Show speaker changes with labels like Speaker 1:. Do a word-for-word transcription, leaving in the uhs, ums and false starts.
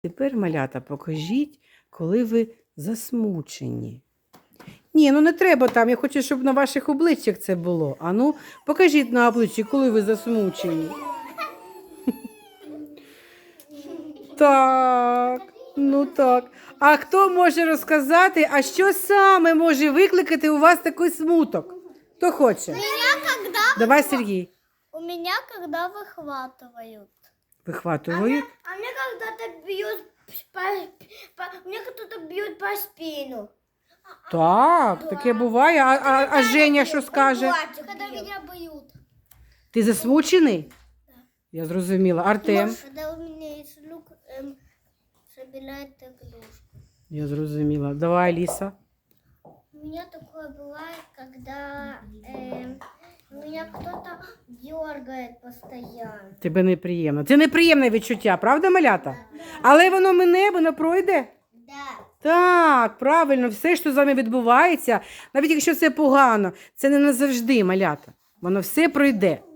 Speaker 1: Тепер, малята, покажіть, коли ви засмучені. Ні, ну не треба там, я хочу, щоб на ваших обличчях це було. А ну, покажіть на обличчі, коли ви засмучені. Так, ну так. А хто може розказати, а що саме може викликати у вас такий смуток? Хто хоче?
Speaker 2: Меня когда
Speaker 1: Давай, Сергій.
Speaker 2: У меня когда выхватывают.
Speaker 1: Вихватують.
Speaker 2: А мне когда-то бьют по, по- мне кто-то бьет по спину.
Speaker 1: Так, таке буває. А, а, а Женя що скаже?
Speaker 2: Когда меня бьют.
Speaker 1: Ти засмучений? Я зрозуміла. Артем?
Speaker 2: Когда у меня из рук эм, собирает игрушку.
Speaker 1: Я зрозуміла. Давай, Ліса.
Speaker 2: У меня такое бывает, когда эм, меня кто-то дергает постоянно.
Speaker 1: Тебе неприємно. Це неприємне відчуття, правда, малята? Але воно мине, воно пройде.
Speaker 2: Да.
Speaker 1: Так, правильно, все, що з вами відбувається, навіть якщо це погано, це не назавжди, малята. Воно все пройде.